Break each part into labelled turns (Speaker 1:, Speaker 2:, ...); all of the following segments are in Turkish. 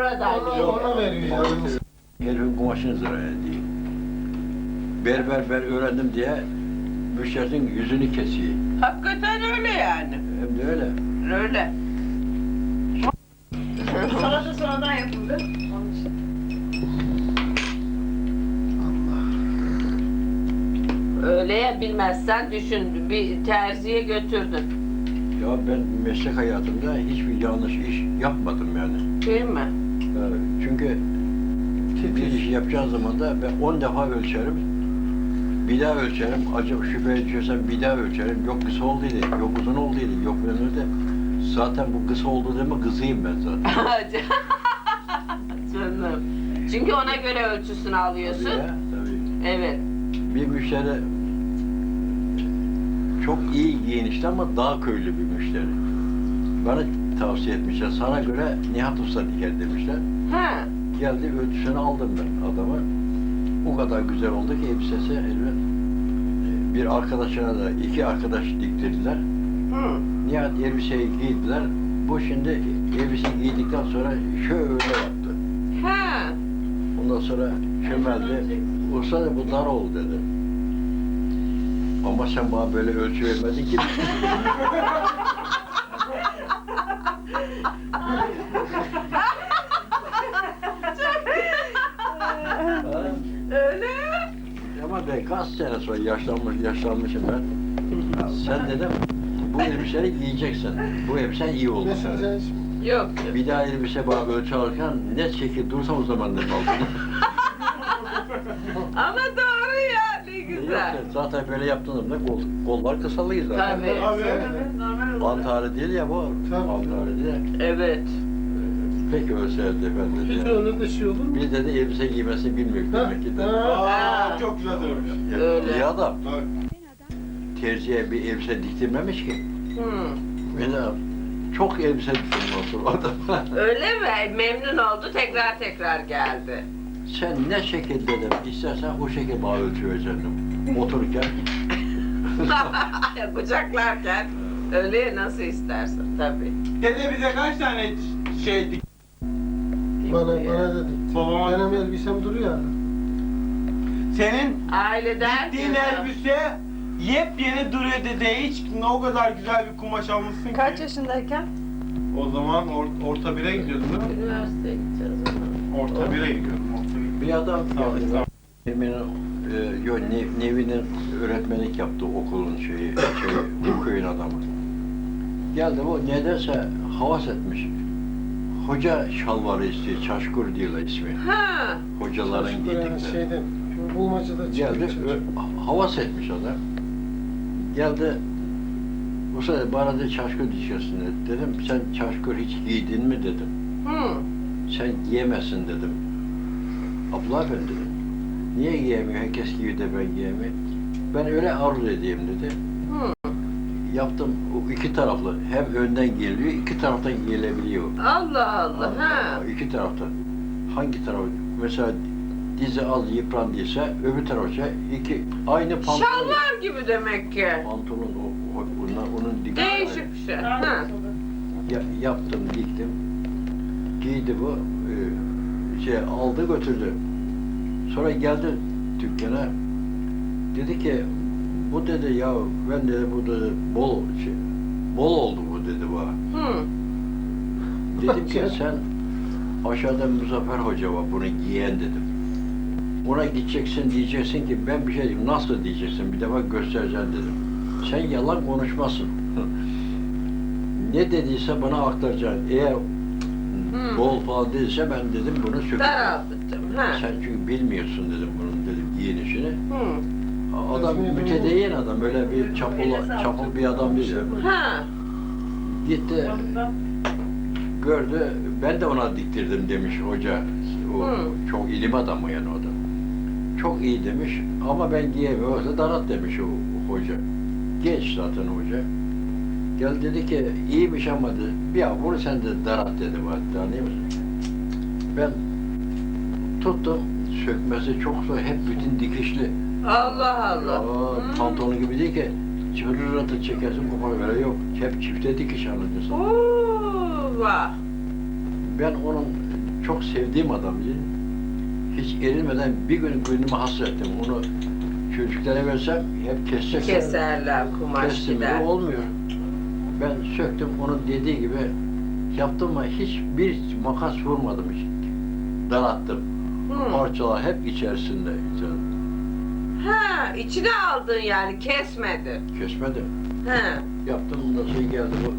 Speaker 1: oradan
Speaker 2: Ona veriyor yani.
Speaker 3: Herifin kumaşını zarar ediyor. Ben öğrendim diye müşterinin yüzünü kesiyor.
Speaker 1: Hakikaten öyle yani.
Speaker 3: Hem de öyle.
Speaker 1: Öyle.
Speaker 4: Salata sonradan yapıldı. Onun için.
Speaker 1: Öyle ya, bilmezsen düşün, bir terziye götürdün.
Speaker 3: Ya ben meslek hayatımda hiçbir yanlış iş yapmadım yani.
Speaker 1: Değil mi?
Speaker 3: Çünkü bir iş yapacağın zaman da ben 10 defa ölçerim. Bir daha ölçerim. Acaba şüpheye düşersem bir daha ölçerim. Yok kısa olduydı, yok uzun olduydu, yok böyle de. Zaten bu kısa oldu deme kızıyım ben zaten.
Speaker 1: Canım. Çünkü ona göre ölçüsünü alıyorsun.
Speaker 3: Tabii ya, tabii.
Speaker 1: Evet.
Speaker 3: Bir müşteri çok iyi giyinişli ama dağ köylü bir müşteri. Bana tavsiye etmişler. Sana göre Nihat Usta diker demişler.
Speaker 1: Ha.
Speaker 3: Geldi ölçüsünü aldım ben adamı. O kadar güzel oldu ki elbisesi elbet. Bir arkadaşına da iki arkadaş diktirdiler.
Speaker 1: Hı.
Speaker 3: Nihat elbiseyi giydiler. Bu şimdi elbiseyi giydikten sonra şöyle yaptı.
Speaker 1: Ha.
Speaker 3: Ondan sonra çömeldi. Usta da bu dar oldu dedi. Ama sen bana böyle ölçü vermedin ki.
Speaker 1: Öyle.
Speaker 3: Ama ben kaç sene sonra yaşlanmışım ben. Sen dedim, bu elbiseyi giyeceksin. Bu elbisen iyi oldu.
Speaker 2: Mesela şimdi.
Speaker 1: Yok.
Speaker 3: Bir daha elbise bana ölçü alırken ne şekil dursam o zaman dedim aldım.
Speaker 1: Ama doğru ya, ne güzel.
Speaker 3: Yok, zaten böyle yaptığımda kollar kısalıyız zaten.
Speaker 1: Tabii.
Speaker 4: Normal olarak.
Speaker 3: Antari değil ya bu.
Speaker 2: Tabii.
Speaker 3: Antari değil.
Speaker 1: Evet.
Speaker 3: Peki ölseydi ben
Speaker 2: Hiç
Speaker 3: dedi.
Speaker 2: öyle de şey olur mu?
Speaker 3: Bir dedi elbise giymesini bilmiyor demek ki dedi.
Speaker 2: Ha.
Speaker 5: Çok güzel söylemiş.
Speaker 3: Ya,
Speaker 1: Öyle.
Speaker 3: iyi adam.
Speaker 5: Tabii.
Speaker 3: Terziye bir elbise diktirmemiş ki.
Speaker 1: Hı.
Speaker 3: Beni çok elbise diktirdim o adam.
Speaker 1: Öyle mi? Memnun oldu, tekrar geldi.
Speaker 3: Sen ne şekil dedim, istersen o şekil bana ölçü vereceksin. Otururken.
Speaker 1: Kucaklarken öyle nasıl istersen tabii.
Speaker 5: Dede bize kaç tane şey dik?
Speaker 2: Bana da dikti.
Speaker 5: Babama-
Speaker 2: Benim elbisem duruyor hala.
Speaker 5: Senin
Speaker 1: Aileden
Speaker 5: diktiğin elbise yepyeni duruyor dede. Hiç o kadar güzel bir kumaş almışsın
Speaker 4: Kaç
Speaker 5: ki.
Speaker 4: yaşındayken?
Speaker 5: O zaman orta 1'e gidiyordun değil mi?
Speaker 1: üniversiteye gideceğiz o zaman.
Speaker 5: Orta 1'e gidiyordum. Orta 1'e.
Speaker 3: Bir adam
Speaker 5: Sağ ol,
Speaker 3: geldi.
Speaker 5: sağ ol.
Speaker 3: Nevi'nin öğretmenlik yaptığı okulun bu köyün adamı. Geldi bu nedense havas etmiş. Hoca şalvarı istiyor, çaşkur diyorlar ismi.
Speaker 1: Ha.
Speaker 3: Hocaların
Speaker 2: Yani
Speaker 3: giydikleri.
Speaker 2: şeyden, bulmacada
Speaker 3: Geldi,
Speaker 2: çıkıyor.
Speaker 3: havas etmiş adam. Geldi, bu sefer bana da çaşkur diyeceksin dedi. Dedim, sen çaşkur hiç giydin mi dedim.
Speaker 1: Hı.
Speaker 3: Sen giyemezsin dedim. Abla efendi dedim. Niye giyemiyor? Herkes giyiyor de ben giyemiyorum. Ben öyle arzu edeyim dedi.
Speaker 1: Hı.
Speaker 3: Yaptım o iki taraflı. Hem önden geliyor, iki taraftan giyilebiliyor.
Speaker 1: Allah Allah. Ha.
Speaker 3: İki taraftan. Hangi taraf? Mesela dizi az yıprandıysa öbür tarafça iki aynı pantolon.
Speaker 1: Şalvar gibi demek ki.
Speaker 3: Pantolon onun dikkat.
Speaker 1: Değişik bir şey. Ha.
Speaker 3: Yaptım, diktim. Giydi bu. Aldı götürdü. Sonra geldi dükkana. Dedi ki bu dedi ya ben dedi bu dedi bol oldu bu dedi bana.
Speaker 1: Hı.
Speaker 3: Dedim ki sen aşağıda Muzaffer Hoca var bunu giyen dedim. Ona gideceksin diyeceksin ki ben bir şey diyeyim. Nasıl diyeceksin bir defa göstereceksin dedim. Sen yalan konuşmasın. Ne dediyse bana aktaracaksın. Eğer bol falan dediyse ben dedim bunu sökeceğim.
Speaker 1: Daralttım. Ha.
Speaker 3: Sen çünkü bilmiyorsun dedim bunun dedim giyinişini.
Speaker 1: Hı.
Speaker 3: Adam mütedeyyin adam öyle bir çapul bir adam değil.
Speaker 1: Ha.
Speaker 3: Gitti gördü ben de ona diktirdim demiş hoca. O çok ilim adamı yani o da. Çok iyi demiş ama ben giyemiyorum. Darat demiş o hoca. Genç zaten hoca. Gel dedi ki iyiymiş ama dedi. Ya bunu sen de darat dedi bana. Anlıyor musun? Ben tuttum sökmesi çok zor. Hep bütün dikişli.
Speaker 1: Allah Allah.
Speaker 3: Ya,
Speaker 1: Hı.
Speaker 3: pantolon gibi değil ki. Çırırıratı çekersin kopar böyle yok. Hep çifte dikiş anlatırsın.
Speaker 1: Oo, vah.
Speaker 3: Ben onun çok sevdiğim adamdı. Hiç erinmeden bir gün günümü hasrettim. Onu çocuklara versem hep kesecekler.
Speaker 1: Keserler, kumaş
Speaker 3: Kestim
Speaker 1: gider.
Speaker 3: de olmuyor. Ben söktüm, onun dediği gibi yaptım ama hiçbir makas vurmadım hiç. Darattım. Parçalar hep içerisinde.
Speaker 1: Ha, içine aldın yani, kesmedin.
Speaker 3: Kesmedim.
Speaker 1: Ha.
Speaker 3: Yaptım, ondan sonra geldi bu.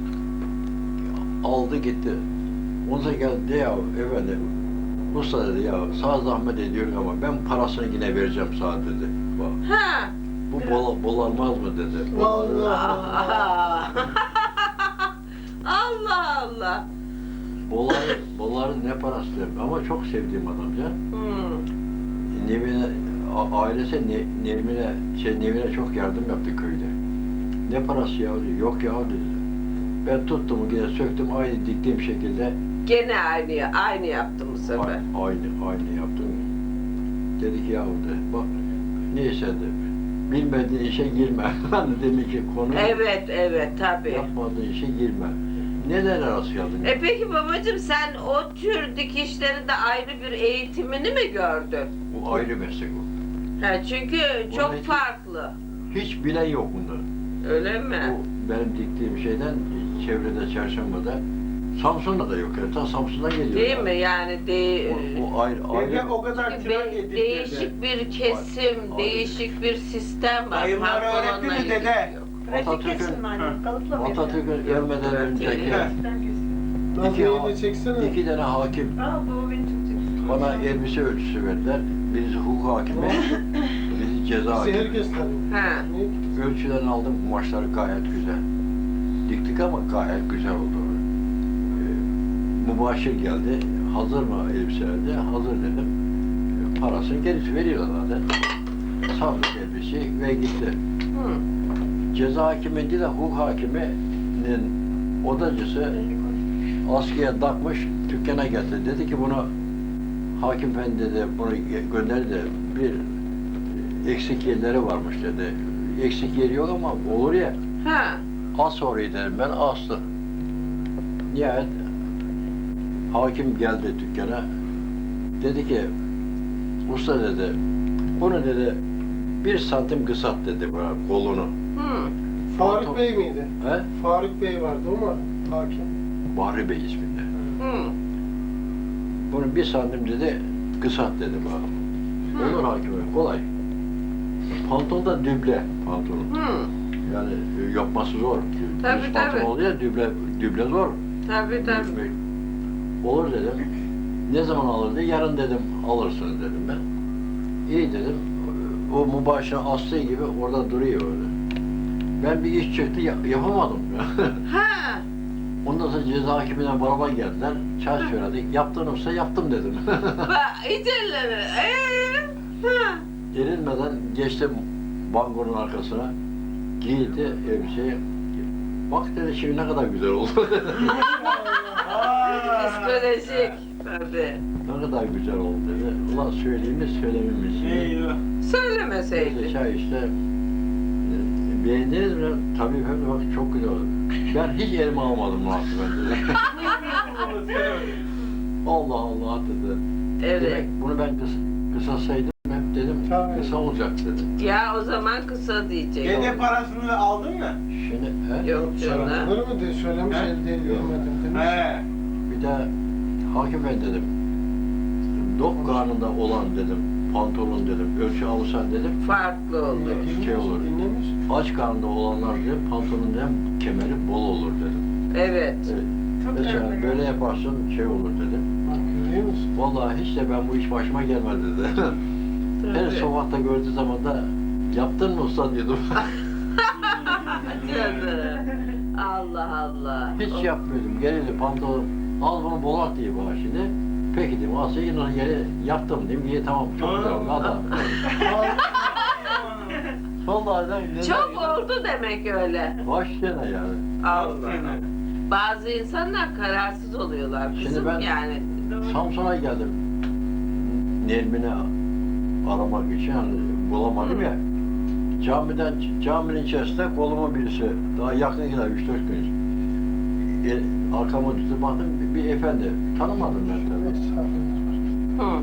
Speaker 3: Aldı gitti. Ondan sonra geldi ya efendim. Usta dedi ya sağ zahmet ediyorum ama ben parasını yine vereceğim sana dedi. Bak,
Speaker 1: Ha.
Speaker 3: bu bolanmaz mı dedi.
Speaker 2: Allah.
Speaker 1: Allah Allah.
Speaker 3: Boların ne parası dedim ama çok sevdiğim adam ya. Nevine, ailesi Nevine çok yardım yaptı köyde. Ne parası ya dedi. Yok ya dedi. Ben tuttum yine söktüm aynı diktiğim şekilde.
Speaker 1: Gene aynı yaptım bu sefer.
Speaker 3: Aynı yaptım. Dedi ki yahu de bak neyse de bilmediğin işe girme. Hani demek ki konu
Speaker 1: Evet tabii.
Speaker 3: yapmadığın işe girme. Neler arası geldin?
Speaker 1: Peki babacığım, sen o tür dikişlerinde ayrı bir eğitimini mi gördün?
Speaker 3: Bu ayrı meslek o.
Speaker 1: Ha, çünkü çok
Speaker 3: hiç-
Speaker 1: farklı.
Speaker 3: Hiç bilen yok bunda.
Speaker 1: Öyle mi?
Speaker 3: Bu benim diktiğim şeyden çevrede Çarşamba'da Samsun'da da yok. Yani ta Samsun'dan geliyor.
Speaker 1: Değil mi? Yani
Speaker 3: O ayrı.
Speaker 5: Dede o kadar
Speaker 1: çünkü
Speaker 5: tırnak getirdi.
Speaker 1: değişik bir kesim,
Speaker 3: Ayrı.
Speaker 1: değişik bir sistem var.
Speaker 5: Dayımlar
Speaker 1: Pantolonla
Speaker 5: öğretti mi
Speaker 1: ilgili
Speaker 5: dede?
Speaker 1: yok.
Speaker 4: Pratik kesin annem. Kalıpla mı
Speaker 3: Atatürk'ün ölmeden önceki
Speaker 2: Nazmiye'yi de çeksene.
Speaker 3: 2 tane hakim
Speaker 4: Aa baba beni çok çekti.
Speaker 3: bana elbise ölçüsü verdiler. Birisi hukuk hakimi, birisi ceza
Speaker 2: Bizi
Speaker 3: hakimi.
Speaker 2: herkes tanıyor.
Speaker 1: Ha.
Speaker 2: Ne?
Speaker 3: Ölçülerini aldım, kumaşları gayet güzel. Diktik ama gayet güzel oldu. Mübaşir geldi, hazır mı elbiseler diye, hazır dedim. Parasını gerisi veriyorlar zaten. Saldık elbiseyi ve gitti. Ceza hakimi değil de hukuk hakiminin odacısı askıya takmış, dükkana getirdi. Dedi ki bunu hakim efendi dedi, bunu gönderdi. Bir eksik yerleri varmış dedi. Eksik yeri yok ama olur ya.
Speaker 1: Ha.
Speaker 3: As orayı dedim ben, astı. Nihayet hakim geldi dükkana. Dedi ki, usta dedi, bunu dedi 1 santim kısalt dedi bana kolunu.
Speaker 2: Faruk Bey miydi?
Speaker 3: He?
Speaker 2: Faruk Bey vardı o mu? Hakim.
Speaker 3: Bahri Bey isminde.
Speaker 1: Hı.
Speaker 3: Bunu 1 santim dedi, kısalt dedi bana. Olur hakim bey, kolay. Pantolon da düble pantolon.
Speaker 1: Hı.
Speaker 3: Yani yapması zor.
Speaker 1: Tabii,
Speaker 3: Düz pantolon
Speaker 1: tabii.
Speaker 3: oluyor ya, düble zor.
Speaker 1: Tabii tabii.
Speaker 3: Olur dedim. Ne zaman alır diye, yarın dedim alırsınız dedim ben. İyi dedim. O mübaşir astığı gibi orada duruyor öyle. Ben bir iş çıktı yapamadım.
Speaker 1: Ha.
Speaker 3: Ondan sonra ceza hakimine beraber geldiler. Çay söyledik. Yaptın olsa yaptım dedim.
Speaker 1: Hiç elleri. Ha.
Speaker 3: Gerilmeden geçtim bangonun arkasına. Giydi elbiseyi. Bak dedi şimdi ne kadar güzel oldu.
Speaker 1: Psikolojik. Tabii.
Speaker 3: Ne kadar güzel oldu dedi. Ulan söyleyeyim mi söylemeyeyim mi?
Speaker 5: Eyvah.
Speaker 1: Söylemeseydin.
Speaker 3: Çay işte. Beğendiniz mi? Tabii efendim bak çok güzel oldu. Ben hiç elime almadım muhasebe dedi. Allah Allah dedi.
Speaker 1: Evet.
Speaker 3: Demek bunu ben kısasaydım hep dedim
Speaker 2: Tabii.
Speaker 3: kısa olacak dedi.
Speaker 1: Ya o zaman kısa diyecek.
Speaker 5: Dede parasını aldın mı?
Speaker 3: Şimdi he?
Speaker 1: Yok canım.
Speaker 2: Olur mu diye söylemiş
Speaker 5: He?
Speaker 2: elde görmedim demiş.
Speaker 5: He.
Speaker 3: Bir de hakim ben dedim. Dok karnında olan dedim. Pantolon dedim. Ölçü alırsan dedim.
Speaker 1: Farklı oldu.
Speaker 2: Dinlemiş,
Speaker 3: Şey olur.
Speaker 2: dinlemiş.
Speaker 3: Aç karnında olanlar dedim. Pantolonun dedim kemeri bol olur dedim.
Speaker 1: Evet.
Speaker 3: Evet.
Speaker 4: Çok
Speaker 3: Mesela
Speaker 4: önemli.
Speaker 3: böyle yaparsın şey olur dedim.
Speaker 2: Bak görüyor musun?
Speaker 3: Vallahi hiç de ben bu iş başıma gelmedi dedi. Her
Speaker 1: Tabii.
Speaker 3: sokakta gördüğü zaman da yaptın mı usta diyordum.
Speaker 1: Canım. Allah Allah.
Speaker 3: Hiç yapmıyordum. Gelirdi pantolon. Al bunu bolat diye bana şimdi. Peki dedim. Asya yine geri yaptım dedim. İyi tamam çok güzel oldu. Adam. Vallahi de
Speaker 1: Çok oldu demek öyle.
Speaker 3: Baş sene yani.
Speaker 1: Allah. Bazı insanlar kararsız oluyorlar
Speaker 3: Şimdi
Speaker 1: kızım
Speaker 3: ben-
Speaker 1: yani.
Speaker 3: Samsun'a geldim. Nermin'i aramak için hani bulamadım ya. Caminin içerisinde kolumu birisi daha yakın gider 3-4 gün. Arkama döndüm baktım bir efendi. Tanımadım ben tabii.
Speaker 1: Hı.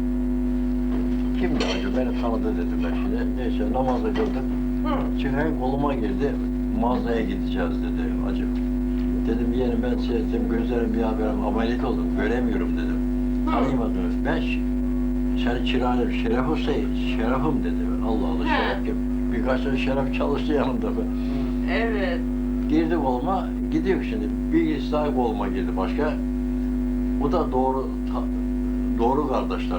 Speaker 3: Kimdi acaba? Beni tanıdı dedim ben şimdi. Neyse namazı kıldım.
Speaker 1: Hı.
Speaker 3: Çıkan koluma girdi. Mağazaya gideceğiz dedi acım. Dedim yeğenim ben seyrettim gözlerim bir haberim ameliyat oldum. Göremiyorum dedim. Tanımadınız. Ben seni çırağınım Şeref Hüseyin. Şerefim dedi. Allah Allah
Speaker 1: He.
Speaker 3: Şeref kim? Birkaç tane Şeref çalıştı yanımda.
Speaker 1: Evet.
Speaker 3: Girdi koluma, gidiyor şimdi. Bir daha koluma girdi başka. Bu da doğru kardeşler.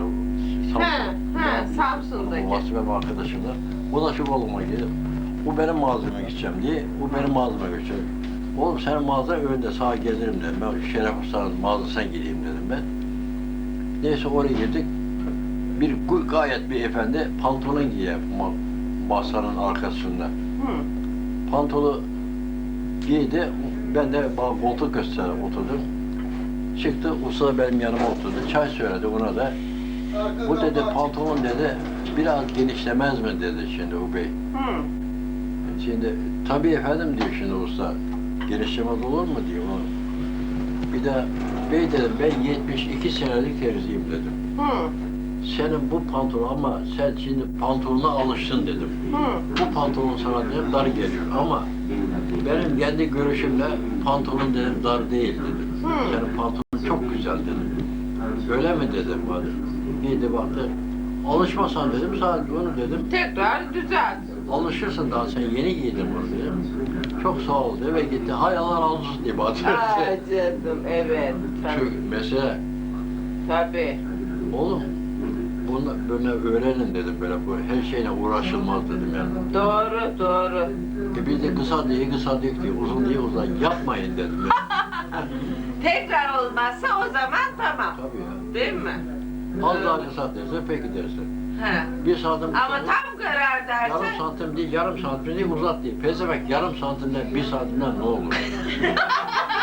Speaker 1: Samsun'daki.
Speaker 3: Vasfem arkadaşımlar. O da şu koluma girdi. Bu benim mağazama gideceğim diye. Bu benim mağazama götürüyor. Oğlum senin mağazan önünde sağa gelirim dedim. Ben Şeref Usta'nın mağazasına gideyim dedim ben. Neyse oraya girdik. Gayet bir efendi pantolon giyer masanın arkasında.
Speaker 1: Hı.
Speaker 3: Pantolu giydi, ben de bana koltuk gösterip oturdum. Çıktı, usta benim yanıma oturdu, çay söyledi ona da. Bu dedi pantolon dedi, biraz genişlemez mi dedi şimdi o bey.
Speaker 1: Hı.
Speaker 3: Şimdi tabii efendim diyor şimdi usta, genişlemez olur mu diyor. Bir de bey dedim ben 72 senelik terziyim dedim.
Speaker 1: Hı.
Speaker 3: Senin bu pantolon ama sen şimdi pantolona alıştın dedim.
Speaker 1: Hı.
Speaker 3: Bu pantolon sana dedim dar geliyor ama benim kendi görüşümle pantolon dedim dar değil dedim. Senin pantolon çok güzel dedim. Öyle mi dedim bana. Giydi baktı. Alışmasan dedim sadece onu dedim.
Speaker 1: Tekrar düzelt.
Speaker 3: Alışırsın daha sen yeni giydin bunu dedim. Çok sağ ol dedi ve gitti. Hay Allah razı olsun diye bana.
Speaker 1: Aa canım evet.
Speaker 3: Şu mesele
Speaker 1: Tabii.
Speaker 3: oğlum bunu böyle öğrenin dedim böyle bu her şeyle uğraşılmaz dedim yani.
Speaker 1: Doğru doğru.
Speaker 3: Biz de kısa diye uzun diye uzun yapmayın dedim. Yani.
Speaker 1: Tekrar olmazsa o zaman tamam.
Speaker 3: Tabii ya.
Speaker 1: Değil mi?
Speaker 3: Az daha kısa derse peki dersin.
Speaker 1: He.
Speaker 3: Bir santim
Speaker 1: Ama tam karar
Speaker 3: yarım
Speaker 1: dersen
Speaker 3: santim değil, yarım santim değil uzat değil. Pezevenk yarım santimden bir santimden ne olur?